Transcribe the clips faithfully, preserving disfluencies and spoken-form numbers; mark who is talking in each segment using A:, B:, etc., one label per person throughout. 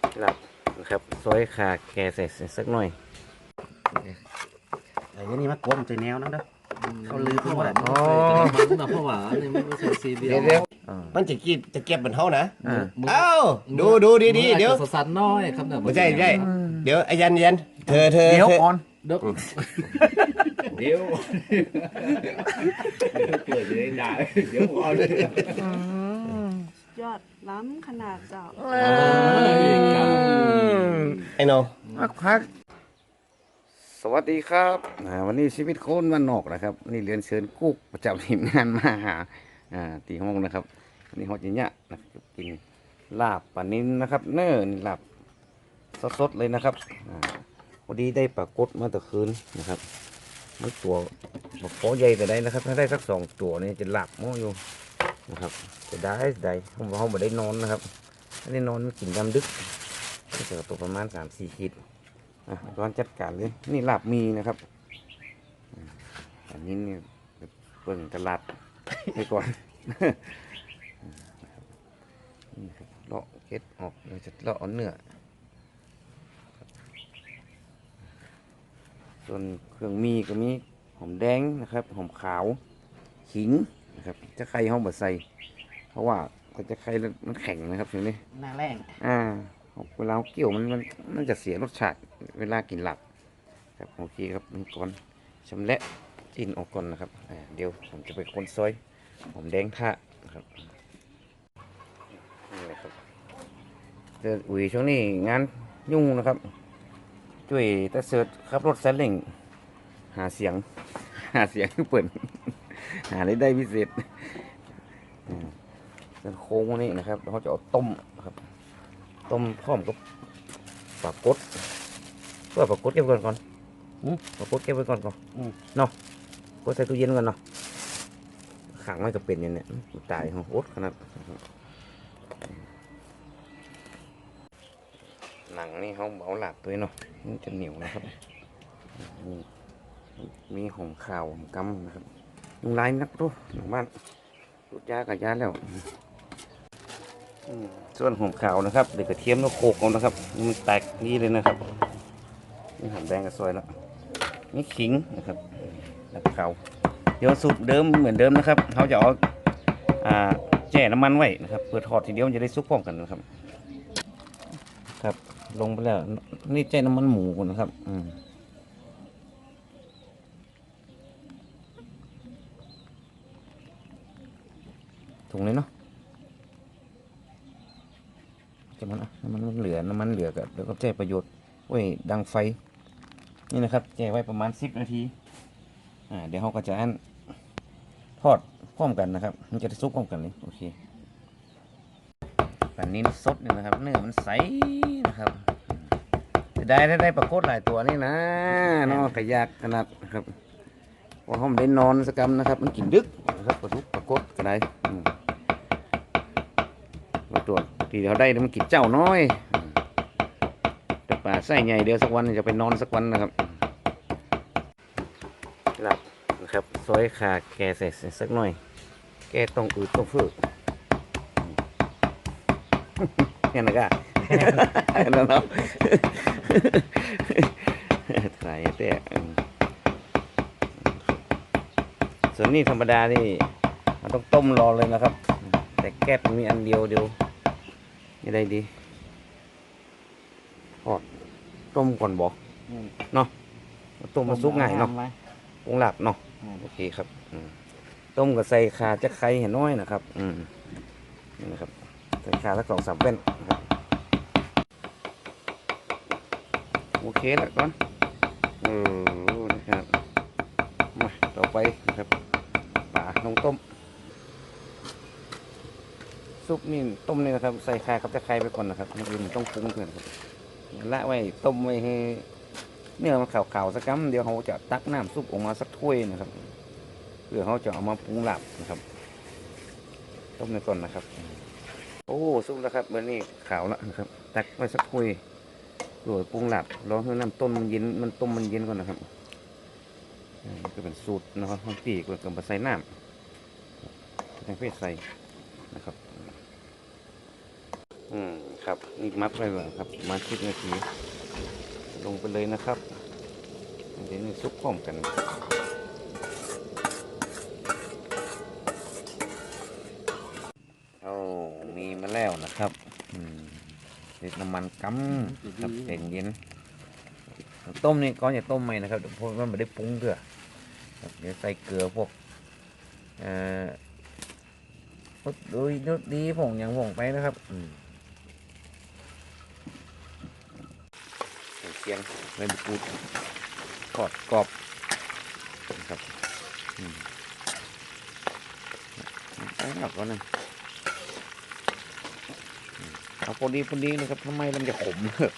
A: หลับนะครับซอยขาแกใส่สักหน่อย
B: ไอ้นี่มากลมใจแนวนั่นเด้อเขาลือเพราะว่า
C: อ๋อมันนะเพราะว่านี่มันไม่ใช่ซีเรีย
A: เดี๋ยว
C: ล
A: เดี๋ยว
B: มันจะกินจะเก็บเหมือนเขานะ
A: อ่า
B: เอ้าดูดูดีดีเดี๋ยว
C: สันน้อยครับเนี่ย
B: ไม่ใช่ไม่ใช่เดี๋ยวไอ้ยันยันเธอเธอ
A: เดี๋ยว
B: เธอ
A: ก่อน
C: เดี๋ยว
D: เดี๋ยวเปิดจะได้ด่าเดี๋ยวก่อน
E: ยอดล้ำขนาดเจ้า
B: ไอ้โน
A: พักพักสวัสดีครับอ่าวันนี้ชีวิตโคนวันนอกนะครับนี่เรียนเชิญกุ๊กประจำทีมงานมาหาอ่าตีห้องนะครับวันนี้ฮอตอย่างเงี้ยนะครับกินลาบปลานิ้นนะครับ เนื้อนี่ลาบสดๆเลยนะครับอ่าพอดีได้ปลากดมาแต่คืนนะครับมันตัวบอกขอใหญ่แต่ได้นะครับ ถ้าได้สักสองตัวนี่จะหลับมั่อยู่นะครับจะได้ได้ห้องห้องไม่ได้นอนนะครับถ้าได้นอนมันกินดำดึกก็จะตัวประมาณสามสี่ขีดอ่ะร้อนจัดการเลยนี่ลาบมีนะครับอันนี้นี่เปิ่งตลาดไปก่อนนี่ครับเลาะเก็ดออกเราจะเลาะเอาเนื้อส่วนเครื่องมีก็มีหอมแดงนะครับหอมขาวขิงนะครับจะไข่ห้องบดใส่เพราะว่าก็จะไข่มันแข็งนะครับทีนี้
B: หน้าแรง
A: อ่าเวลาเกี่ยวมันมันมันจะเสียรสชาติเวลากินหลับครับโอเคครับนี่ก่อนชำแหละจิ้นออกก่อนนะครับเดี๋ยวผมจะไปคนซอยหอมแดงท่านะครับนี่แหละครับเดือนอุ๋ยช่วงนี้งานยุ่งนะครับช่วยตาเสิร์ชขับรถแซลลิงหาเสียงหาเสียงเปิดหาได้ได้พิเศษส่วนโค้งวันนี้นะครับเขาจะเอาต้มครับต้มพร้อมกับปลากดเพื่อปลากดเก็บไว้ก่อนปลากดเก็บไว้ก่อนก่อนเนาะกดใส่ตู้เย็นก่อนเนาะขังไว้ก็เป็นอย่างเนี้ยตายของอดขนาดหนังนี่เขาเบาหลับตัวเนาะมันจะเหนียวนะครับมีมีหอมข่าวหอมกำนะครับยุงลายนักรู้หนังบ้านรุดยากับยาแล้วส่วนหอมขาวนะครับเด็กกระเทียมแล้วโขกเอานะครับมันแตกนี่เลยนะครับนี่หอมแดงกับซอยแล้วนี่ขิงนะครับแล้วขาวเดี๋ยวสูตรเดิมเหมือนเดิมนะครับเขาจะเอาอ่าแช่น้ำมันไว้นะครับเพื่อทอดทีเดียวมันจะได้ซุกพร้อมกันนะครับครับลงไปแล้วนี่แช่น้ำมันหมูก่อนนะครับอืมถุงเลยเนาะจะมันน้ำมันเหลือน้ำมันเหลือกับแล้วก็แช่ประโยชน์โอ้ยดังไฟนี่นะครับแช่ไว้ประมาณสิบนาทีอ่าเดี๋ยวเขาก็จะอันทอดพร้อมกันนะครับมันจะซุกพร้อมกันเลยโอเคแบบนี้สดเนี่ยนะครับเนื้อมันใสนะครับจะได้ได้ได้ปลากดหลายตัวนี่นะเนาะขยากขนาดนะครับพอเขาไม่ได้นอนสักกำนะครับมันกินดึกนะครับปลาทุกปลากดก็ได้ตัวที่เขาได้มันกินเจ้าน้อยแต่ป่าไส้ใหญ่เดียวสักวันจะไปนอนสักวันนะครับหลับนะครับซอยขาแกใส่สักหน่อยแกต้องอืดต้องฟื้นเนี่ยนะก้าแล้วเนาะถ่ายแต่ส่วนนี้ธรรมดานี่มันต้องต้มรอเลยนะครับแต่แก๊สมีอันเดียวเดียวยังไงดีทอดต้มก่อนบอกเนาะต้มมาซุกง่ายเนาะปรุงหลับเนาะโอเคครับต้มกับใส่ขาจะไข่เห็นน้อยนะครับอืมนี่นะครับใส่ขาสักสองสามเป็นนะครับโอเคแล้วก่อนเออนะครับมาต่อไปนะครับปลาลงต้มซุปนี่ต้มนี่นะครับใส่ไข่กับจะไข่ไปก่อนนะครับมันอื่นต้องปรุงก่อนครับละไว้ต้มไว้ให้เนื้อมันขาวๆสักกั๊มเดี๋ยวเขาจะตักน้ำซุปออกมาสักถ้วยนะครับเพื่อเขาจะเอามาปรุงหลับนะครับต้มในก่อนนะครับโอ้ซุปแล้วครับเมื่อนี้ขาวแล้วนะครับตักไว้สักถ้วยโดยปรุงหลับรอให้น้ำต้มมันเย็นมันต้มมันเย็นก่อนนะครับนี่ก็เป็นสูตรนะครับของปีกกับมาใส่น้ำแตงเผ็ดใส่นะครับโออืมครับนี่มัดไว้ก่อนครับประมาณสิบนาที ลงไปเลยนะครับเดี๋ยวนี้ซุปพร้อมกันเอามีมาแล้วนะครับอืมเด็ดน้ำมันกั๊มครับเย็นเย็นต้มนี่ก่อนอย่าต้มใหม่นะครับเพราะมันไม่ได้ปรุงเถอะครับเดี๋ยวใส่เกลือพวกเอ่อพวกดูดูดีผงอย่างผงไปนะครับอืมเคียงใบมะกรูดกรอบกรอบนะครับอืมใส่หนักก่อนนะเอาพอดีพอดีนะครับทำไมมันจะขม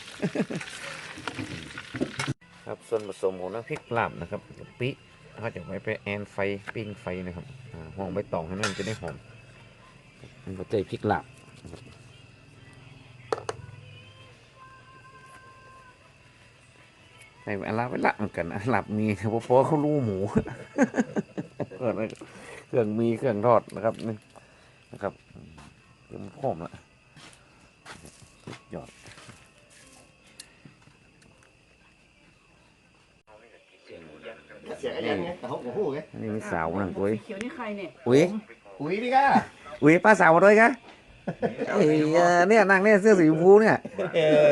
A: ครับส่วนผสมของน้ำพริกลาบนะครับกะปิเขาจะไว้ไปแอนไฟปิ้งไฟนะครับห่อใบตองให้มันจะได้หอมมันก็จะพริกลาบใส่อาลาไว้ละเหมือนกันอาลาบมีเพราะเพราะเขารู้หมู เครื่องเครื่องมีเครื่องทอดนะครับนี่นะครับเริ่มหอมละยอด
B: เสียงไอ้ยันไงแต่เขาโอ้โหไง
A: นี่มีสาวนั่งกุ้ย
E: เขียวนี่ใครเนี่ย
A: อุ้ย
B: อุ้ยนี่ก้า
A: อุ้ยป้าสาวมาด้วยกะเอ้ยเนี่ยนั่งเนี่ยเสื้อสีชมพูเนี่ย
B: เออ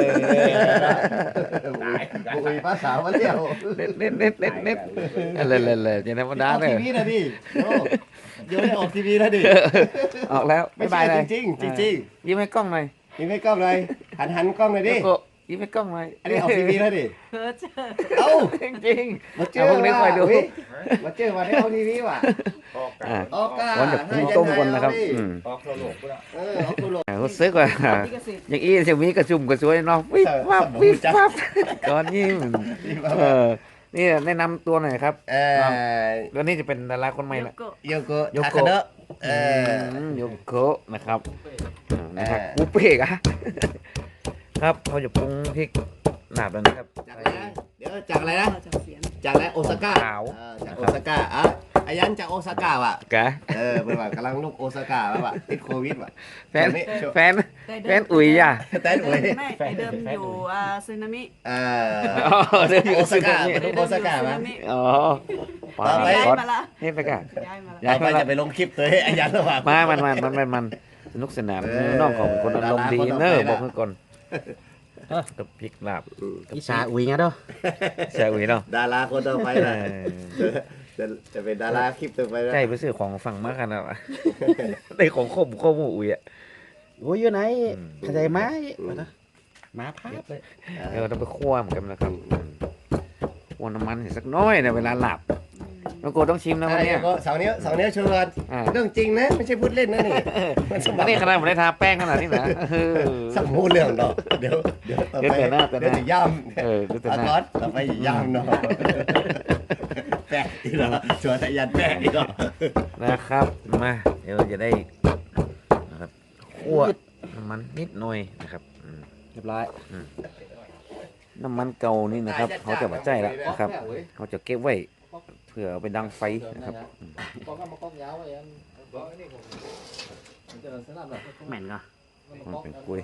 B: อุ้ยป้าสาวมาเลี้ยว
A: เน็ตเน็ตเน็ตเน็ตเน็ตเลยเลยเลยจะธรรมดา
B: ออก
A: เลย
B: ทีวีนะดิโอ้เดี๋ยวได้ออกทีวีแล้วดิ
A: ออกแล้ว
B: ไม่
A: บ๊าย
B: ใช่
A: บายเลย
B: จริงๆจริง
A: ยิ้มให้กล้องหน่อย
B: ๆยิ้มให้กล้องเลยหันหันกล้องเลยดิ
A: โกะยิ้มให้กล้องหน่อย
B: อันนี้ออกทีวีแล้วดิ
E: เพ้อเจอ
B: เอ้า
A: จริงจริง
B: มาเจ
A: เอา
B: อ
A: พวกนี้คอยดู
B: ว่ะมาเจอมาได้ออกทีวีว่ะ
A: อ่า
B: ออกกา
A: วันจะปรุงต้มก่อนนะครับอืม
D: ออกโทรโลกก็ได้
B: เออออกตัวโลก
A: อ่ารู้สึกว่า
E: ลิขสิทธิ์
A: อย่างอี้เสียมีกระชุ่มกระชวยเนาะวิบวับวิบวับก่อนยิ้มเออนี่แนะนำตัวหน่อยครับ
B: เออ
A: แล้วนี่จะเป็นดาราคนใหม่
E: โย
A: ละ
E: โกะ
B: โยโกะ
A: โย
B: ทา
A: โกะ
B: คาเดะเออ
A: มโยโกะนะครับอ่านะครับ
B: เออ
A: กูเป้กอะครับเขาจะปรุงพริกหนาบแล้วนะครับ
B: จากอะไรนะเดี๋ยวจากอะไรนะ
E: จากเสียง
B: จากอะไรโอซาก้า
A: ขาว
B: เออจากโอซาก้าอ่ะอายันจากโอซาก้าว่ะ
A: แก
B: เออเป็นว่ากำลังลูกโอซาก้าแล้วว่ะติดโควิดว่ะ
A: แฟน
B: ช่วงนี้ช่วง
A: แฟน
E: แต่เดิม
A: แฟนอุ๋ยอ่ะ
B: แต่หนู
E: ไม่
B: เลย
E: ไม่ไอเดิมอยู่อ่าซึนามิ
B: เอ
A: อ๋อ
B: อ
A: เดี๋ยวอยู่
B: โอซาก้า
A: ซึนามิ
B: เป็นลูกโอซาก้า
E: ซึ
B: มั้
E: นาย มิ
A: อ๋อปา
B: ต่อไป
E: ย้าย
A: ก๊อต
E: มาละ
A: เฮ็ดไปกัน
E: ย้ายมาละ
A: ย้าย
B: ต่อไป
A: มาละ
B: จะไปลงคลิปตัวให้อายันแล้วว่ะ
A: มามันมันมันมันมันสนุกสนาน
B: เออ
A: น้องของคนอารมณ์ดี
B: ดาราคนต่อไป
A: เนอร์
B: นะ
A: บอกให้ก่อนกับพริกลาบ
C: อีสาอุยงั้นเด้อ
A: ใช่อุ๋ยเนาะ
B: ดาราคนต่อไป
A: เอ
B: นะ
A: อ
B: จะจะเป็นดาราคลิปต่อไปนะ
A: ใช่ไปซื้อของฝั่งมากขนาดวะได้ของครบครบหมู่อุ๋ยอ่ะ
C: โอ้ยอยู่ไหน
A: อืม
C: เข้าใจไหมมาพาดเลย
A: เออต้องไปคั่วเหมือนกันนะครับอืมคั่วน้ำมันเห็นสักน้อยนะเวลาหลับน้องโกต้องชิมนะวัน
B: ใช่
A: เนี้ย
B: ก็สองนิ้วสองนิ้วชวน
A: อ่า
B: เรื่องจริงนะไม่ใช่พูดเล่นนะนี่มันสม
A: อันนี้ขนาดผมได้ทาแป้งขนาดนี้นะเออ
B: สักพูดเรื่องดอกเดี๋ยวเดี๋ยวต่อ
A: เดี๋ยว
B: ไป
A: แต่หน้าแต่หน้า
B: เดี๋ยวจะย่ำ
A: เออดูแต่
B: อา
A: หน้า
B: ก๊อตต่อไปอย่าย่ำเนาะแปะอีกเหรอชวนอายันแปะอีกเหรอ
A: นะครับมาเดี๋ยวเราจะได้นะครับคั่วน้ำมันนิดหน่อยนะครับอืม
C: เรียบร้อย
A: น้ำมันเก่านี่นะครับเขาจะมาใจแล้วนะครับเขาจะเก็บไว้เพื่อเอาไปดังไฟนะครับอืม
C: แม่นก็
A: มันเป็นกล้วย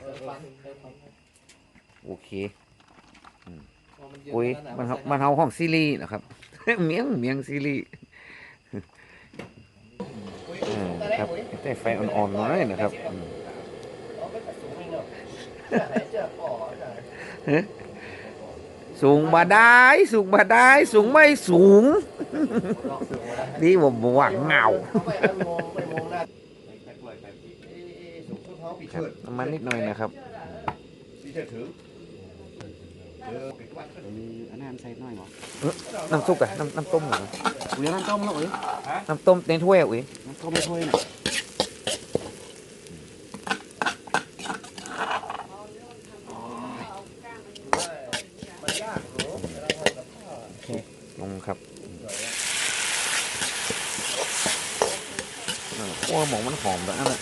A: โอเคอืมกล้วยมันเฮามันเฮาห้องซีรีส์นะครับ เมียงเมียงซีรีส์เออครับแต่ไฟอ่อนๆหน่อยนะครับอืมเฮ้ยสูงบ่ได้สูงบ่ได้สูงไม่สูง นี่ผมบอกว่าเหงาครับน้ำมันนิดหน่อยนะครับ
C: อันนั้นใส่น้อยหรอ
A: น้ำซุปอะน้ำน้ำต้มเหรอ
C: อุ้ยน้ำต้มแล้วอุ้ย
A: น้ำต้มในถ้วยอะอุ้ย
C: น้ำต้มไม่ถ้วยน่ะ
A: ลงครับเออโอ้หมองมันหอมแบบนั้นแหละ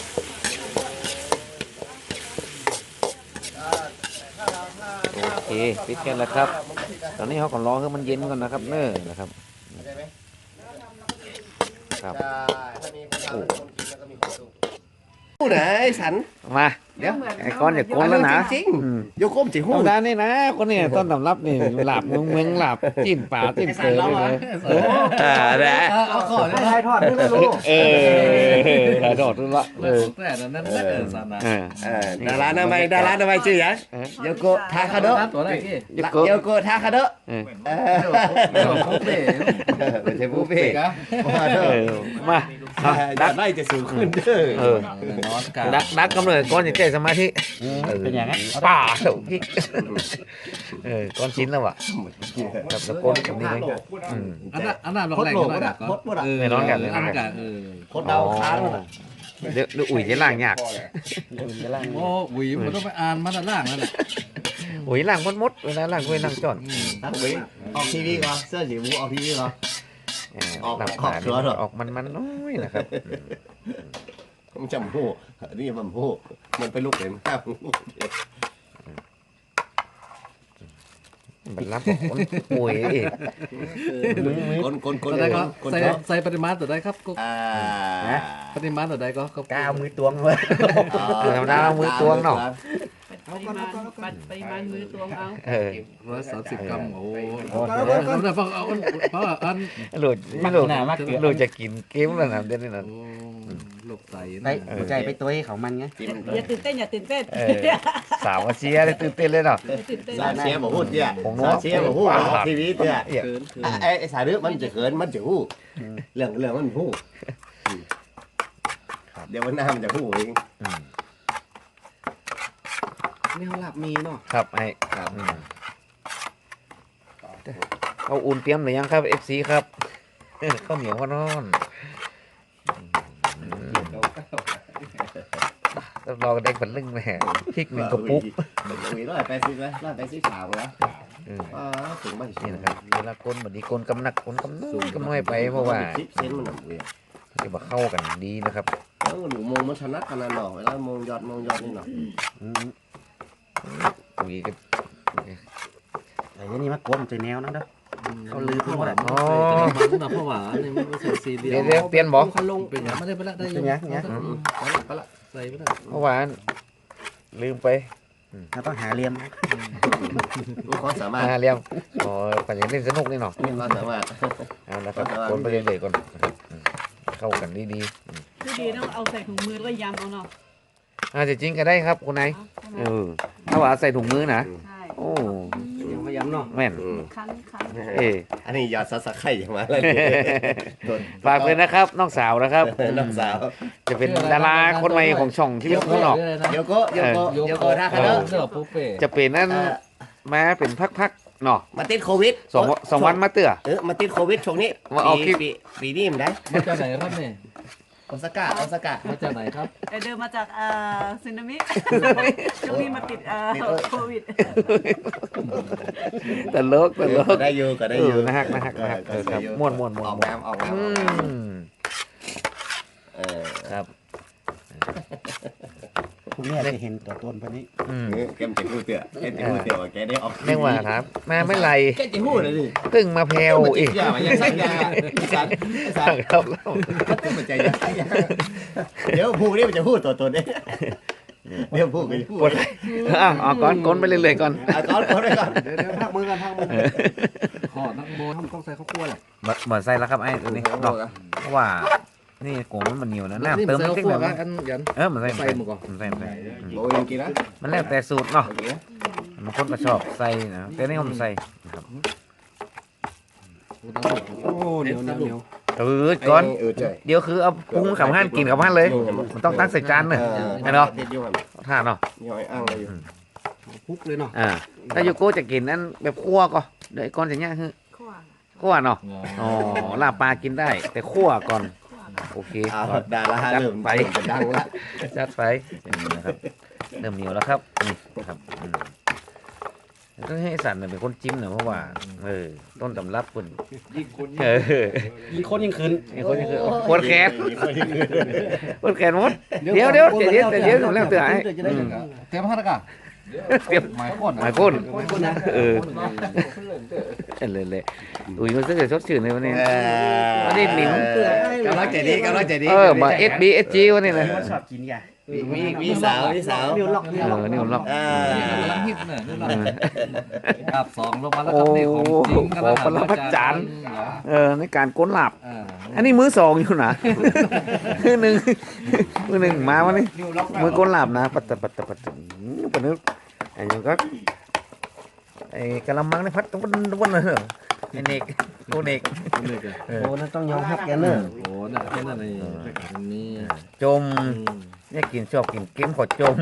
A: โอเคปิดกันแล้วครับ ตอนนี้เขาก็รอให้มันเย็นก่อนนะครับ เน้อนะครับครับ
B: ถ้ามีคนทำแล้วคนกินแล้วก็มีความสุขผู้ไหนสัน
A: มา
B: เดี๋ยว
E: เหมือน
A: ไอ้ก้อนอย่าโกนแล้วนะ
B: จริง
A: อืม
B: ๆโยโก้มจิ
A: ธร
B: หู้
A: รมดานี่นะคนนี้ต้นตำรับนี่หลาบเมืองเมืองหลาบจิ้นป่าจิ้นเตยเลยอ่าแหละ
B: เอาขอเลย
C: ถ่ายทอดด้วยไม่รู้
A: เออถ่ายทอดด้วยละเออ
C: แต่นั้นนั่นเออสานะ
A: เออ
B: เออดาราหน้าไม่ดาราหน้าไม่ชื่อหยังโยโกะทาคาโดะ
C: ตัวแรกที่
A: ยุโกะ
B: โยโกะทาคาโดะ
A: เออ
B: เออ
C: ไม่หลงปุ๊บเลย
B: ไม่ใช่ผู้เพ่มา
A: เอ
B: เถอะ
A: อมาเอา
B: ดั
A: ดั
B: ก
A: ก
B: ไล่จะสูงขึ้นเด้อ
A: เออ
C: นอนกัน
A: ดักดักกำเนิดก้อนอย่าใจสมาธิ
C: เป็นอย่างนั้น
A: ป่าเถอะพี่เออก้อนชิ้นแล้วว่ะกับตะโกนแบบนี้เลยอืม
C: อันนั้นอันนั้นลง
B: พด
C: แรง
B: โหล
C: กัน
B: ก็
C: หน่
B: ได้
C: อย
B: พดบ่ได้
C: เออ
A: ไม่ร้อนกัน
C: อันนั้นกันเออ
B: พดดาวค้างน่ะ
A: เดี๋ยวเดี๋ยวอุ่ยจะล่างยาก
C: โอ้หวีมันต้องไปอ่านมาด้านล่างนั่นแหละ
A: อุ่ยล่างมดมดเวลาล่างกล้วยล่างจอน
B: ตั้งไว้ออกทีวีก่อนเสื้อสีมูออกทีวีก่อน
A: เออ
B: ออก
A: หลับ
B: ขอบ
A: ขา
B: เสือเหรอ
A: ออกมันมันน้อยนะครับ
B: มันจำหูนี่มันหูมันเป็นลูกเห็นข้าว
A: มันรับของคนป่วยอีก
B: คนคนคน
C: ตัวใดก็
B: คน
C: ใส่
B: ชอบ
C: ใส่ปริมาณตัวใดครับกุ๊ก
B: อ่า
C: ปริมาณตัวใดก็ก็
A: ก้าวมือตวงเลย ธรรมดาเอามือตวงเนาะ
E: ปริมาณปัดปริมาณมือตวงเอา
A: เออ
C: ร้อยสามสิบกรัมโอ้เอาเอาเอาเพราะอัน
A: หลุดไม่หลุดหลุดจะกินเกมแล้วนะเดี๋ยวนี้นะ
C: โอ้หลบใส่
F: ได้หัวใจไปตัวให้เขามันไง
E: อย่าตื่นเต้นอย่าตื่นเต้น
A: เออสาวมาเชียร์เลยตื่นเต้นเลยเนาะ
E: อย่าตื่นเต้น
B: สาเชียร์บอกพูดเนี่ย
A: ผมรู้
B: สาเชียร์บอกพูดออกทีวีเนี่ย
A: เอี่ย
C: เกินเกิน
B: ไอ้ไอ้สายเรื่องมันจะเขินมันจะหู้เรื่องเรื่องมันหู้เดี๋ยววันหน้ามันจะหู้เอง
A: อืม
F: นี่เขาหลับมีเนาะ
A: ครับไอ้อืมเอาอุ่นเตรียมหรือยังครับเอฟซีครับเออข้าวเหนียวข้าวนอนรับรองเด็กเป็นลึ่งแม่พริกหนึ่งกระปุก
B: อุ้ยร้อยแปดสิบไหมร้อยแปดสิบสามเหรอ
A: อืม
B: อ่าถึงบ้าน
A: นี่นะครับเวลาก้นแบบนี้ก้นกำหนักก้นกำน้อยกำน้อยไปเพราะว่า
B: คลิปเซนมันหนักเลย
A: จะมาเข้ากันดีนะครับ
B: แล้วหนูมองมันชนะขนาดหน่อเวลามองยอดมองยอดนี่หน่อ
A: ปุ๋ยก็
F: แต่ยันนี่มากลมใจแนวนั่นเด้อ เขาลือไปหมดอะ
C: อ๋อมันนะเพราะว่านี่มันใส่ซีเรีย
A: เดี๋ยวเดี๋ยวเปลี่ยนบอก
C: เขาลงเป็นอย่างไม่ได้ไปละได้
F: เป็นไงไง
C: ใส่ไปละ
A: เมื่อวานลืมไป
F: เราต้องหาเหลี่ยม
B: ความสามารถ
A: อ่าเรียมอ๋อปัญญาเล่นสนุกนี่เนาะ
B: ความสามารถ
A: เอาละครับก้นไปเรื่อยๆก่อนนะครับอืมเข้ากันดีๆอืม
E: คือดีต้องเอาใส่ถุงมือแล้วก็ยำเอาเนาะ
A: อาจจะจริงก็ได้ครับคุณนาย
E: เอาใช่ไหม
A: เออถ้าว่าใส่ถุงมือนะ
E: ใช่
A: โอ้
F: ยังพยายามเนาะ
A: แม่น
E: คันคัน
A: เอ๊ะ
B: อันนี้ยอดซัสไข่อย่างมาแล้ว
A: ฝากเลยนะครับน้องสาวนะครับ
B: น้องสาว
A: จะเป็นดาราคนใหม่ของช่องที่เป็นคนออก
B: โยโกโยโกโยโกท่าคา
C: เอ
B: เน
C: อ
B: อะ
C: เสื้อปุ๊บเป้
A: จะเป็นนั่นมาเป็นพักๆเนาะ
B: มาติดโควิด
A: สองสองวันมาเตื้อ
B: เออมาติดโควิดช่วงนี้
A: มาเอาคลิป
B: ปีปีนี้มันได้
C: มาจากไหนครับเนี่ย
B: โอซาก้าโอซาก้า
C: มาจากไหนครับ
E: ไอเดินมาจากเอ่อซึนามิช่วงนี้มาติดเอ่อโควิด
A: แต่เลิกแต่เลิก
B: ได้อยู่ก็ได้
A: เอ
B: อยู่
A: อนะฮักนะฮักนะฮักเออครับม่วนม่วนม่วน
B: ออกน้ำออกน้ำ
A: อื
B: ออกน้
A: ม
B: ำเออ
A: ครับ
F: คุณแม่จะเห็นตัวตนพันนี้
A: อืม
B: เออแกมจะพูดเตือแกจะพูดเตือว่าแกได้ออก
A: เรียกว่าครับมาไม่ไร
B: แกจะพูดเลยดิ
A: เพิ่งมาแพลวอีก
B: อย่ามาอย่าสั่งยาอีสานอีสาน
A: ครับ
B: มันจะมันใจยาเดี๋ยวพูดนี่มันจะพูดตัวตนเองเดี๋ยวพูดก็จะพูด
A: กดอ้าวเอาก้อนก้นไปเรื่อยๆก่อน
B: อ่ะก่อนก่อนไปก่อน
F: เดี๋ยวเดี๋ยวพักมือกันพักมือ
C: ขอนักโบทำต้องใส่ข้าวคั่วแหละ
A: เหมือนเหมือนใส่แล้วครับไอ้ตัวนี้เนาะเพราะว่านี่โกงมันเหนียวนะน้ำเติม
C: ใส่
A: นิด
C: ข้าว
A: ห
C: คั่
A: น่
C: ว
A: อย
C: กั
A: มั้
C: น
A: ย
C: อันยัน
A: เออมันใส่
C: ใส่หมดก่อน
A: มันใส่มันใส่อืม
B: โบยังกินนะ
A: มันแล้วแต่สูตรเนาะ
B: กินนะ
A: บางคนก็ชอบใส่นะแต่นี่ผมใส่นะครับ
F: โอ้เหนียวเหนียวเหนียว
A: เออก่อน
B: เออใช่
A: เดี๋ยวคือเอาปรุงกับห้านกินกับห้านเลย มันต้องตั้งใส่จานเนอะไอ้เนาะ
B: เด็ดยุ่งอ่ะ
A: ท่าเนาะ
B: ย่อยอ้างเลยอยู่
F: พุกเลยเนาะ
A: อ่าถ้าโยโก้จะกินนั้นแบบคั่วก็เดี๋ยวไอ้ก้อนจะย่างคือ
E: ขั้ว
A: คั่วเนาะอ๋อลาบปลากินได้ แต่คั่วก่อนโอเค
B: อ้าวดาราเริ่มไปจะดังละ
A: จัดไปนี่นะครับเริ่มเหนียวแล้วครับนี่นะครับอืมต้องให้สันเนี่ยเป็นคนจิ้มหน่อยเพราะว่าเออต้นตำรับคุณเออ
F: ยิงคนยิงคืน
A: นี่คนนี้คือปวดแขนปวดแขนหมดเดี๋ยวเดี๋ยวเดี๋ยวเดี๋ยวเดี๋ยวผมแล้วเตือนไอ้อืม
C: เตรียมพัดกะ
A: เตรียม
C: หมายก้น
A: หมายก้นเออเลยเลยอุ้ยมันจะชดชื่นเลยวันนี้ วันนี้หนิม
B: กำลังใจดีกำลังใจดี
A: เออมาเอสบีเอสจีวันนี้เลย
F: ชอบกินยา
B: มีมีมีสาวมีสาว
F: นิ้วล็อก
A: เออนี่ผมล็อก
B: อ่า
C: นี่กำลังฮิตเนี่ยนี่เราอับสองลงมาแล้วครับนี่ของจริง
A: ขอปรมาจารย์เออในการก้นหลับ
C: อ่า
A: อันนี้มือสองอยู่นะ มือหนึ่งมือหนึ่งมาวันนี้มือก้นหลับนะปัตตะปัตตะปัตตะปนึกไอ้ยังก็ไอ้กะละมังในพัดวันวันเลยเหรอไอ้เนกโอเนก
C: นี่ก็
F: โอ้นั่นต้องยอมรับแกเนอะ
C: โอ้น่ะแค่นั้นเองนี่
A: จมเนี่ยกินชอบกินเกมขอจม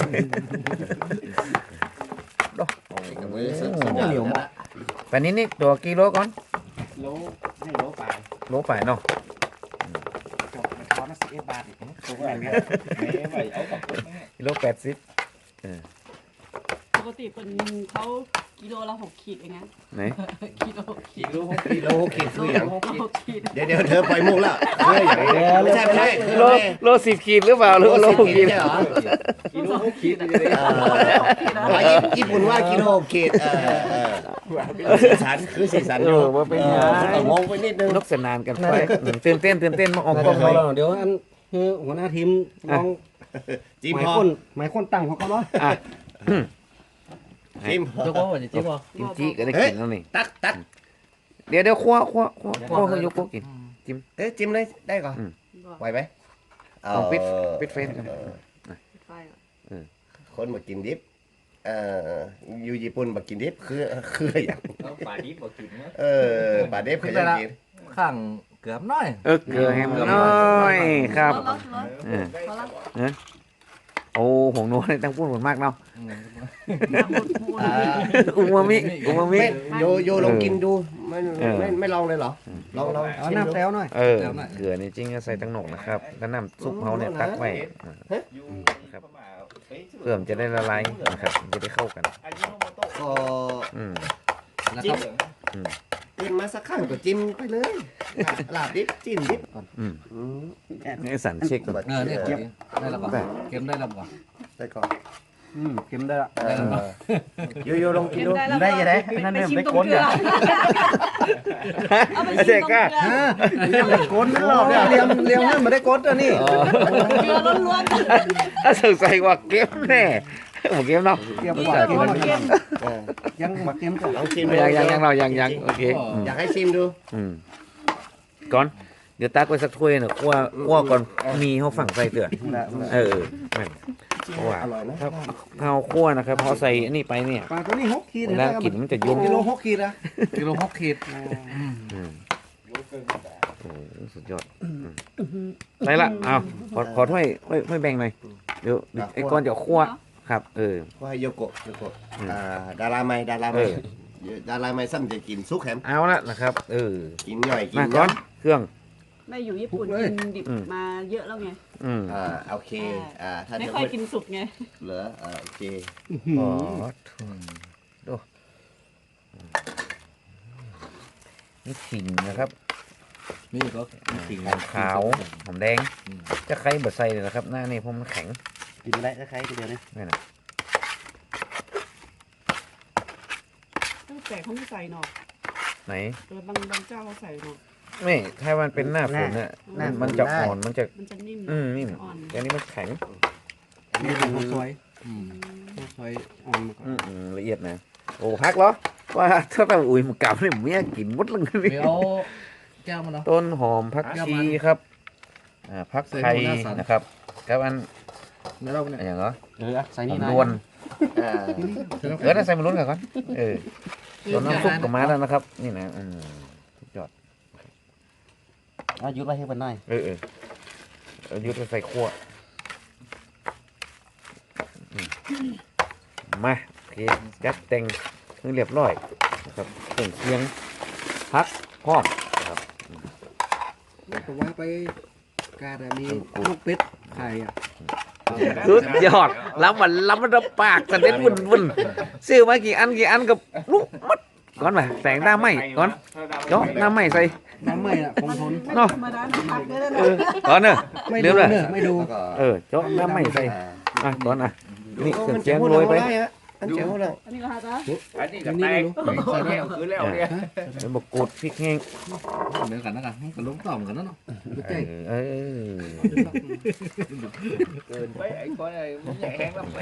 B: เหนียว
A: แต่นี้นี่ตัวกิโลก่อน
B: โลให้โลไป
A: โลฝ่ายเนาะ
F: จบไปทอนสิบเอ็ดบาทอีกถูกไหม
B: ไม่ไหวเอากับ
A: กิโลแปดสิบ
E: ปกติเป็นเขากิโลละหกขีดเองนะ
A: ไหน
E: กิโลขีด
B: กิโลกิโลขีดคืออย่าง
E: หกขีด
B: เดี๋ยวเดี๋ยวเธอปล่อยมุกแล้วเฮ้ยอย่างนี้ไม่ใช่ไม่ใช่
A: โลโลสิบขีดหรือเปล่าหรือว่าโลหกขีด
B: ใช่เหรอ
D: กิโลหกขีดเลย
B: เออญี่ปุ่นว่ากิโลขีดเออเออสีสันคือสีสัน
A: เออว่าเป็นไง
B: งงไปนิดนึง
A: นกสนานกันไปอืมตื่นเต้นตื่นเต้นมาออกกล้อง
F: เดี๋
A: ไว้
F: ยวเดี๋ยวอันคือหัวหน้าทีมลอง
B: จิ้ม
F: หมาย
B: พอ
F: คนหมายคนตั้งเขาก็ร้อย
A: อ่ะ
B: จิ้ม
C: เจ้าพ่อว่าจะจิ้มป่ะ
A: กิมจิก็ได้กินแล้วนี่
B: ตักตัก
A: เดี๋ยวเดี๋ยวคว้าคว้าคว้าคว้าเขายกพวกกิน
B: เอ๊ะจิ้มเลยได้ก่อน
A: อืม
B: ไหวไหม
A: เอาปิดปิดเฟซกัน
E: ไฟอ่ะ
B: คนมากินดิบเอ่ออยู่ญี่ปุ่นมากินดิบคือคืออย่าง
D: ป่าดิบบอกกินนะ
B: เออปลาดิบเขาจะกิน
C: ข้างเกือบน้อย
A: เออเกลือแฮมน้อยครับ
E: ร้อนร้อน
A: เออ
E: ร้อนร้อน
A: เออโอ้หงนัวนี่ตั้งพูดหมดมากเนาะอูมามิอูมามิ
B: ไม่โยโยลองกินดูไม่
A: เออ
B: ไม่ไม่ลองเลยเหรอลองลอง
F: เอา
B: ชิม
F: น้ำ
B: ดู
F: แต้วหน่อย
A: เออเกลือนี่จริงก็ใส่ตั้งหนกนะครับแล้วน้ำซุปเขาเนี่ยตักไว้ครับเพื่อมนจะได้ละลายนะครับจะได้เข้ากัน
B: ก็
A: อืม
C: แล้ว
B: จิ้
C: ก็
B: มกินมาสักข้างก็จิ้มไปเลยลาบดิบจิ้มดิบ
A: อืม
F: อืม
A: นี่สันเช็คก่อน
C: เออเนี่ยเก็บได้แล้วป่ะเก็บได้แล้วป่ะ
B: ได้ก่อน
F: อืมเค็มได้ละ
B: เออโยโยลองกินดู
E: ได้ยังไงนั่นเนี่ยไม่ก้นเนี่ยเอาไปชิมตรงเกลือ
F: เรียมกดรอบเนี่ยเรียมเรียมให้มาได้กดอ่ะนี่
E: เกลือล้วน
A: ถ้าสงสัยว่าเก็บแน่หมูเก็บเนาะ
F: เรียม
E: ๆ
F: กว่า
E: เกลือเข้ม
B: เออ
F: ยังมาเค็มก่อน
B: ลองชิมดู
A: ยังยังยังเรายังยังโอเคอืม
B: อยากให้ชิมดู
A: อืมก่อนเดี๋ยวตักไว้สักถ้วยหนึ่งคั่วคั่วก่อนมีเขาฝั่งใส่เตือนเออแม่นเพราะว่า
B: อร่อยนะ
A: ถ้าข้าวคั่วนะครับพอใส่อันนี้ไปเนี่ย
F: ปลาตัวนี้หกขีด
A: เวลากินมันจะยุ่ง
F: กิโลหกขีดอะ
C: กิโลหกขีด
A: อืมโอ้โหสุดยอดอืมได้ละเอาขอขอถ้วยถ้วยถ้วยแบ่งหน่อยเดี๋ยวไอ้ก้อนจะคั่วครับ เออ
B: ว่าให้โยโกะโยโกะ
A: อืม
B: อ่าดาราไม่ดารา
A: เอ
B: ไม่
A: อ
B: ดาราไม่ซ้ำจะกินซุกแฮม
A: เอาละนะครับ เออ
B: กินหน่อยกิ
A: มาน ก่อนเครื่อง
E: ไม่อยู่ญี่ปุ่นกินดิบมาเยอะแล้วไง
A: อืม
B: อ่าโอเคอ่าถ้า
E: ไม่
B: จะ
E: ค่อยกินสุกไง
B: เหลืออ่าโอเค
A: อ๋อดูนี่ขิงนะครับ
C: นี่ก็ขิง
A: หอมขาวหอมแดง จะใครบดใส่เลยนะครับ หน้านี่เพราะมันแข็ง
F: กินได้คล้ายๆกันเดียวนี่
A: นี่นะ
E: แต่เขาไม่ใส่หนอก
A: ไหน
E: เออบางบางเจ้าเขาใส่หนอก
A: ไม่ถ้ามันเป็นหน้าฝนเนี่ยมันมันจะอ่อนมันจะ
E: มันจะนิ่ม
A: อืมนิ่ม
E: อ่อน
A: แต่อันนี้มันแข็ง
F: นี่เป็นข้าวซอย
C: อืม
F: ข้าวซอยอ่อนมาก่อน
A: อืมอืมละเอียดนะโอ้พักเหรอว่าถ้าเราอุ้ยมันกลับเนี่ยเมียกินหมดเลย
C: เดี๋ยวแก้วมันเนาะ
A: ต้นหอมพักชีครับอ่าพักไทย
C: ใส่หัวหน้าสัน
A: นะครับกับอัน
C: ในเราเนี่ย
A: อะไรอย่างเหรอ
F: เออใส่
A: หอ
F: นี่
A: ม
F: นะ
A: ดวน
B: อ่า
A: เออน่าใส่มาลุ้นกันก่อนเออส่วนน้ำซุปก็มาแล้วนะครับ นี่นะอืมสุดยอด
F: เอายุดไว้ให้มันหน่อย
A: เออเออเอายุทธใส่ขั้วอืมมาโอเคจัดแต่งให้เรียบร้อยนะครับเครื่องเคียงพักพร้อมนะครับ
F: แต่ว่าไปกาดมีลูกเป็ดไข่อ่ะ
A: สุดยอดแล้วมันแล้วมันระปากสะเด็ดวุ่นวุ่นซื้อมากี่อันกี่อันกับลูกมัดก่อนมาแสงหน้าไหมก่อนเจาะหน้าไหมใส่
F: น้ำไม่อ่ะคงทน
A: เนาะ
E: ธรรมดาผักได้แล้ว
A: เอ
E: นะ
A: อก่อนเนอะ
F: ไม่
A: เดี๋
F: ดู
A: ยวเลย
F: เนอะไม่ดู
B: แล้วก็
A: เออเจาะหน้าไหมใส่อ่ะก่อนอ่ะนี่เครื่อง
B: มัน
A: เคียง
B: พูด
A: โรยไป
B: เอาด้ฮะอันเจ๋วแล้ว
E: อันนี้ก็ฮะจ๊ะ
D: อันนี้ก็แตกแก้วคือแล้วเนี่ย
A: ใบมะกรูดพริกแห้ง
C: เหมือนกันนะกันกันล้มต่อมกันนะเนาะไม่ใช่
A: เออ
D: เกินไปไอ้คนไอ้มันแห้งแล้วไป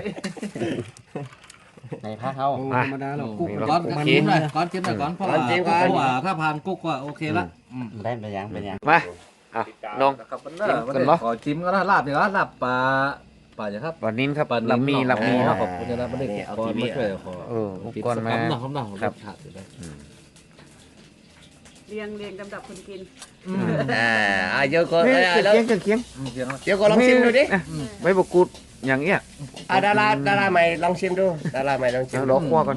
A: ในพักเขา
F: โอ้
A: อ่ะ
F: ธรรมดาเรากุ๊ก
C: ก้อนกินเลยก้อนกินเลยก้อนเพราะว่าเพราะว่าถ้าผ่านกุ๊กก็โอเคละ
A: ได้ไปยังไปยังมาอ่ะน้อง
C: ครับมันน่ะขอจิ้มก็ได้ลาบอย่างนั้นลาบปลาปลาอย่างครับ
A: วันนี้ครับ
C: ปลา
A: ลำมีลำมี
C: ค
A: เนาะ
C: รับผมจะได้ไม่ได้เอาทีวีช่วยขอ
A: เอออุปกรณ์มา
C: หนักหนัก
A: ครับ
C: ขาดอยู่ได้
E: เรียงเรียงลำดับคนกิน
B: อ่าอ่ะเดี๋ยวก็
A: เฮ้ย
B: เอ้ย
A: เคียงเคียงเคียง
C: เสียง
B: เดี๋ยวก็ลองชิมดูดิ
A: นะใบมะกรูดอย่างเงี้ย
B: อ่ะดาราดาราใหม่ลองชิมดูดาราใหม่ลองชิม
A: เอา
B: ดู
A: ล้อคั่วก่อน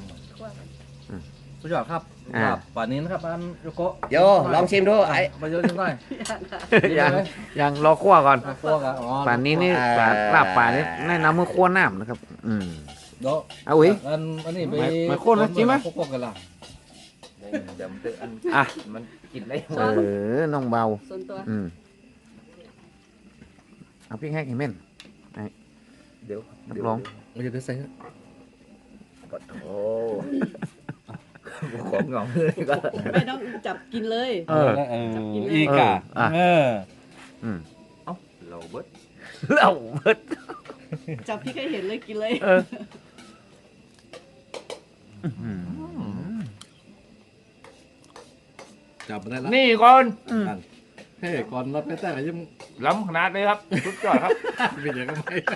C: สุดยอดครับ
A: อ่า
C: ป่านนี้นะครับอันโยโกะ
B: โยลองชิมดูไอ้
C: ไปโยนยังไง
A: ยังยังรอคั่วก่อน
C: พวกอ่ะอ๋อ
A: ป่านนี้นี่ปลาลาบป่านี่แนะนำเมื่อคั่วน้ำนะครับ อืม
C: เดี๋ยว
A: เอาอุ้ย
C: อันอันนี้ไป
A: ไม่ไม่โค่นนะจริงไหม
C: โค่นกันละ
D: จำตึกอัน
A: อ่ะ
D: มันกินได้
A: เออน้องเบา
E: ส่วนตัว
A: อืมเอาพริกแห้งให้เม่น
D: เดี๋ยว
A: นักร้อง
C: มันจะได้ใส่
D: โอ้ของงองเลยก็
E: ไม่ต้องจับกินเลย
A: เออ
E: จับกินเลย
A: อีกอ่ะเอออืม
D: เราเบิด
A: เหล่าเบิด
E: จับพี่แค่เห็นเลยกินเลย
A: เอออืม
C: จับมาได้ละ
D: นี่ก่อน
C: เฮ้ยก่อนรับไปแต่ยัง
D: ล้ำขนาดเลยครับสุดยอดครับ
C: เป็นอย่างไร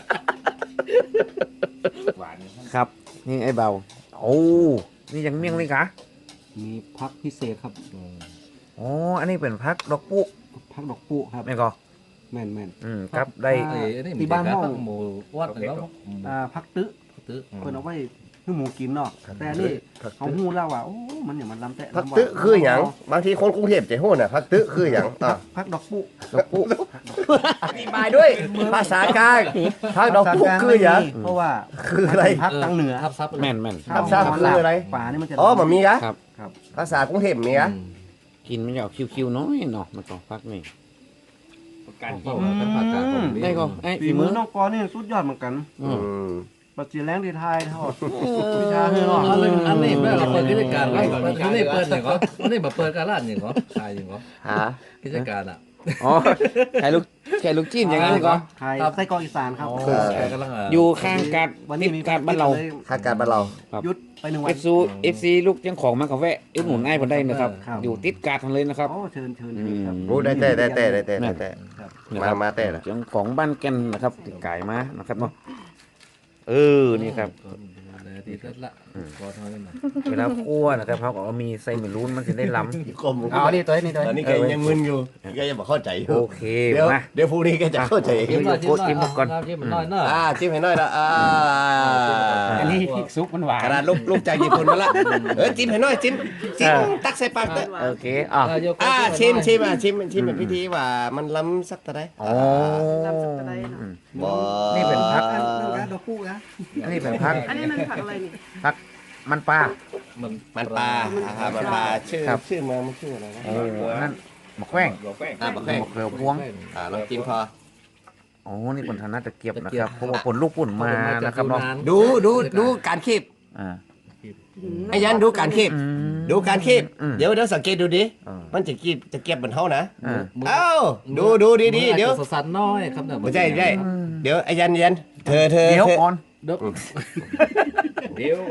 D: หวาน
A: ครับ นี่ไอ้เบาโอ้นี่ยังเมี่ยงเลยกะ
F: มีพักพิเศษครับ
A: อ๋ออันนี้เป็นพักดอกปุ๊
F: พักดอกปุครับ
A: ไม่ก็
F: แม่นแม่น
A: อืมครับได้
C: ไอ้นี่
F: ที่บ้านห้อง
C: หมูวัดหรือว่า
F: อ่าพักตึ๊
C: ตื้อ
F: เพิ่นเอาไว้ให้หมูกินเนาะแต่อันนี่เขาฮู้แล้วว่าโอ้มันอย่างมันลำแต่
B: พักตึคือหยังบางทีคนกรุงเทพจะฮู้น่ะพักตึคือหยังอ่ะ
F: พักดอกปุ
A: ดอกปุ๊
B: อธิบายด้วย ภาษากลางพักดอกปุคือหยัง
F: เพราะว่า
B: คืออะไร
F: พักทางเหนือ
C: ทับซับ
A: แม่นแม่น
B: ทับซับคืออะไร
F: ป่านี่มันจะ
B: อ๋อมันมีกะ
A: ครับ
F: ครับ
B: ภาษากรุงเทพมีกะ
A: กินมันจะออกคิวๆน้อยเนาะมันก็พักนี่
D: การ
C: ก็
D: กิน
C: เป็นผักกาดของ
A: ได้ก็ไอ้
F: ฝี
A: ฝี
F: มื
A: มื
F: อ
A: อ
F: น้องกอนี่สุดยอดเหมือนกัน
A: อืม
B: อืม
F: ปัจจุบันที่ไทยทอด
A: วิชาเฮ้ย
C: อั
A: เนาะ
C: นนี้อันนี้เราเปิดกิจการแล้วอันนี้เปิดอย่างก็อันนี้มาเปิดการร้านอย่างก็ขายอย่างก็
B: หา
C: กิจการอ่ะ
A: อ๋อไข่ลูกไข่ลูกจิ้นอย่างนั้นก็
F: ไทยไส้กรอกอีสานครับ
C: กำลัง
A: อยู่ข้างกัด
F: วัน
A: ติ
F: นี้
A: ด
F: มี
A: กัดบ้านเรา
B: หาการบ้านเรา
F: ยุดไปหนึ่งวั
A: เอน ฟซีเอฟซีลูกยังของมากับแวะอุดหนุนง่ายพอได้นะครับ
F: ครับ
A: อยู่ติดกัดทันเลยนะครับ
F: โอ้เชิญเชิญเชิญครับ
B: รู้ได้แต่ได้แต่ได้แต่ได้แต่
A: นะค
B: มา
A: รับ
B: มาแต่ละ
A: เจ้าของบ้านแกันนะครับติดไก่มานะครับเนาะเออนี่ครับ
C: ดีเสร็จละก็เท่านั้น
A: เวลาคั่วนะครับเขาก็เอามีใส่เมลูนมันจะได้ล้ำ
B: กลม
A: เอาอันนี้ตัวนี้ตัว
B: ตอนนี้
A: นี้
B: แกยังมึนอยู่แกยังบอกเข้าใจอยู่
A: โอเค
B: เดี๋ยว
A: มา
B: เดี๋ยวพรุ่งนี้แกจะเข้าใจเอง
C: จิ้มหน่อยจิ้มหน่อยก่อนจิ้มหน่อยเนอะ
B: อ่าจิ้มให้หน่อยละอ่า
A: อันนี้พริกซุปมันหวาน
B: ขนาดลูกลูกจากญี่ปุ่นมาละเออจิ้มให้หน่อยจิ้มจิ้มตักใส่ปากเถอะ
A: โอเคอ่ะ
B: อ่าชิมชิมอ่ะชิมชิมเป็นพิธีว่ามันล้ำสักตะได
A: โอ้
E: น้ำสับปะรดเนอะ
A: อืม
B: บ่
A: นี่เป็นพัก
F: อันนั้นดอกปุนะ
A: อันนี้เป็นพัก
E: อันนี้มันผักอะไรนี่
A: พักมันปลา
C: มัน
B: มันปลาอ่ามันปลาชื่อ
A: ครับ
B: ชื่อเมืองมันชื่ออะไรนะ
A: โอ้นั่นมะแขว้ง
D: บอกแป้ง
B: อ่าบักแข้ง
A: มะเขือพวง
B: อ่าลองกินพอ
A: โอ้นี่ผลธนาตะเกียบนะครับเพราะว่าผลลูกปุ่นมานะครับเนาะ
B: ดูดูดูการคีบ
A: อ่า
B: ไอ้ยันดูการคีบ
A: อืม
B: ดูการคีบ
A: อืม
B: เดี๋ยวเดี๋ยวสังเกตดูดิ
A: เออ
B: มันจะกีบจะเก็บเหมือนเท่านะ
A: อ่า
B: เอ้าดูดูดีดีๆเดี๋ยว
C: สันน้อยครับเนี่ย
B: ไม่ใช่ไม่ใช่เดี๋ยวไอ้ยันยันเธอเธอ
A: เดี๋ยว
B: เธอ
A: ก่อน
C: เดี๋ยว
D: เดี๋ยว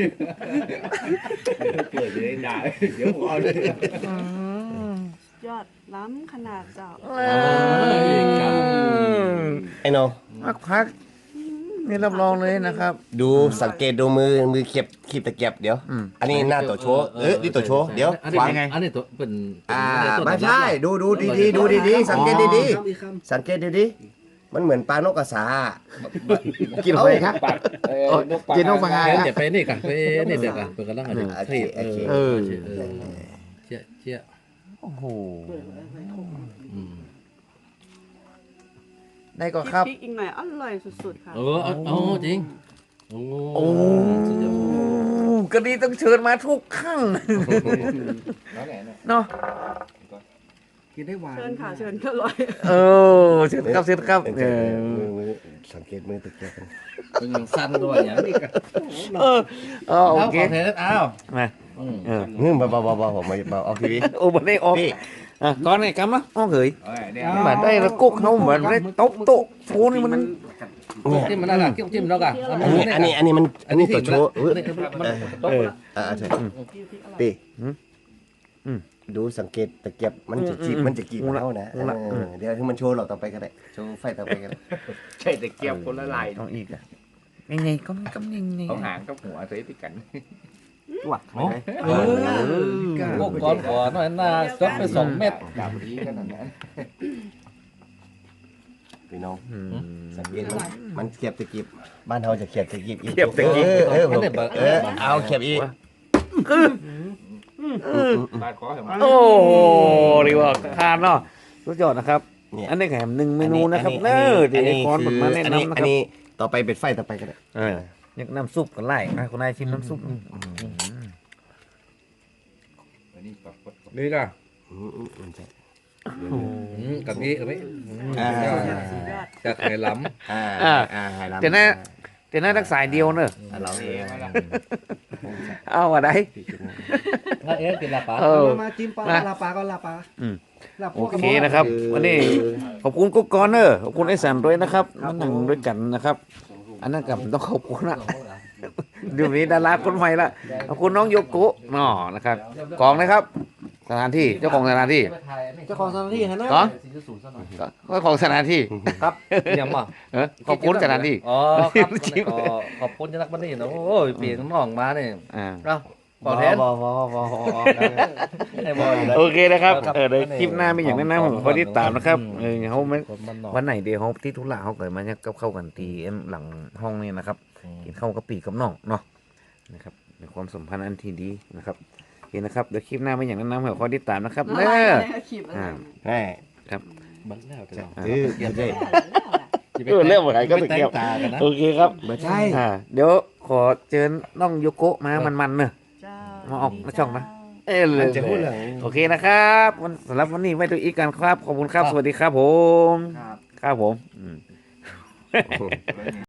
D: เกิดจะได้ด่าเดี๋ยวเอาเลย
E: ยอดล้ำขนาดเจ้า
B: ไอ้โน
A: พักพักนี่รับรองเลยนะครับ
B: ดูสังเกตดูมือมือเก็บคีบตะเกียบเดี๋ยว
A: อืม
B: อันนี้หน้าตัวโชว์เออนี่ตัวโชว์เดี๋ยว
C: อันนี้
B: วาง
C: ยังไงอันนี้ตัวเป็น
B: อ่าไม่ใช่ดูดูดีดีๆดูดีดีๆสังเกตดีดี
F: ครับอีกค
B: ๆสังเกตดีดีๆมันเหมือนปลานกกระสา
A: กินอะไรครับ
D: ปากเออ
A: กินนกปลา
C: เดี๋ยวไปนี่กันไปนี่เดี๋ยวกันเปิดกันแล้วกันเทียเออเออเชี่ยเชี่ย
A: โอ้โห
C: อืม
A: ได้ก็ครับ
E: พริกอีกหน่อยอร่อยสุดๆค่ะ
C: เออเออจริงโอ้
A: โอ้ก็ดีต้องเชิญมาทุกครั้ง
D: แล้วไหนเนี่ย
A: เนาะ
F: กินได้หวาน
E: เชิญค่ะเชิญก็อร่อย
A: เออเชิญครับเชิญครับเออ
B: มือมือสังเกตมือตะเกียบกัน
C: เป็นอย่างสั้นด้วยอย่างนี้กัน
A: เออเออโอ
C: เอา
A: เค
C: ขอเทสอ้าว
A: มา
C: อืม
A: เออ
B: เฮ้ยเบาเบาเบาเบาผมมาเบาออกทีวี
A: โอ้บันได้ออก
B: พี่
A: อ่ะก้อนไงกำนะอ้อเหย
D: เอ้ยเนี่ย
A: เหมือนได้แล้วกุ๊กเขาเหมือนได้โต๊ะโต๊ะโชว์นี่มัน
B: เนี่ย
C: จิ้มมันนั่นแหละจิ้มแล้วกัน
B: อันนี้อันนี้อันนี้มันอันนี้ตัวโชว์เออ
C: มัน
A: เออ
B: อ่าใช่พี่
A: อืมอืม
B: ดูสังเกตตะเกียบมันจะจีบ
A: อืม
B: มันจะกีบ
A: อืม
B: เท่านะ
A: อืมละ
B: เออเดี๋ยวให้มันโชว์เราต่อไปก็ได้โชว์ไฟต่อไปก็ได้
D: ใช่แต่เกียบคนละลาย
A: ต้องอีกอ่ะยังไงก็ก็ยังไง
D: เอาหางกับหัวใส่ติดกัน
A: หวักไหม
C: เออพวกก้อนก่อนหน่อยหน้าซดไปสองเม็ด
D: ดาบดีขนาดนั้น
B: พี่น้อง
A: อืม
B: สังเกตมันมันเขียบตะกีบบ้านเราจะเขียบตะกีบอีก
A: เขียบตะกีบ
B: เออเออผม
C: อันนี้แบบ
B: เออเอาเขียบอีก
D: บาดคอเห็นไหม
A: โอ้โหดีว่าทานเนาะสุดยอดนะครับ
B: เนี่ย
A: อันนี้แถมหนึ่งเมนูนะครับเนอที่ไอ้คอนผมมาแนะ
B: อันนี้
A: นำนะ
B: อั
A: คน รับ
B: นี้ต่อไปเป็นไฟต่อไปก็ได้
A: เออนี่น้ำซุปกันไล่นะคนนายชิมน้ำซุป
D: อันนี้ปรับกด
C: นี่ก็
B: อืมอืมอืมใช่
C: กับนี้กับนี้
B: อ่า
C: กับไข่ล้
B: อ่าอ่าให้รับ
A: แต่น่าแต่น่ารักสายเดียวเนอะ
B: อ่าเราเอง
A: เอาอะไร
C: ำถ้าเอ๊ะกินละปะ
A: เออ
F: มามาจิ้มปลา
A: มา
F: ลาปลาก็ลาปลา
A: อืม
F: ลา
A: โอเคนะครับ วันนี้ขอบคุณกุ๊กกอนเนอร์ขอบคุณไอ้สันด้วยนะครับมานั่งด้วยกันนะครับ อันนั้นกับต้องขอบคุณนะเดี๋ยวนี้ดาราคนใหม่ละขอบคุณน้องโยโกะน่อนะครับกองนะครับ สถานที่เจ้าของสถานที่
F: เจ้าของสถานที่ฮะนะ
A: กองก็ของสถานที่
C: ครับยังมา
A: เออขอบคุณสถานที่
C: อ๋อครับก็ขอบคุณจักรบันนี่นะโอ้ยเปลี่ยนน้องมาเนี่ย
A: อ่า
C: เอ้าขอเทส
B: บอบอบอบอ
C: ให้บอกอยู่แล้ว
A: โอเคนะครับ
C: ครับ
A: เออเดี๋ยวคลิปหน้ามีอย่างแนั้นนะผมขอติดตามนะครับ
C: อืม
A: เออเขาไม่
C: คนมันนอก
A: วันไหนเดียวเขาที่ทุลาเขาเกิดมาเนี่ยก็เข้ากันตีเอ็มหลังห้องนี่นะครับกินข้าวกับปีกับน้องเนาะนะครับในความสัมพันธ์อันที่ดีนะครับโอเคนะครับเดี๋ยวคลิปหน้ามีอย่างแนั้นนะผมขอติดตามนะครับ
E: ละ
A: เน้
E: ลาย
A: อ
E: ในคลิปอะไร
A: อ่า
B: แน่
C: บังแล้วจ้ะ
B: เออเดี๋ยวได้
A: เออเรื่องอะไรก็ตะเกียบ
C: ตากันนะ
A: โอเคครับ
B: ไม่ใช่
A: อ่าเดี๋ยวขอเชิญน้องโยโกะมามันๆเนอะ
E: เจ้า
A: มาออกมาช่องนะ เออเล
B: มั
A: ย
B: นจะพูดเรื่อง
A: โอเคนะครับวันสำหรับวันนี้ไว้ตัวอีกกันครับ ขอบคุณครับ สวัสดีครับผม
F: ครับ
A: ครับผมอืม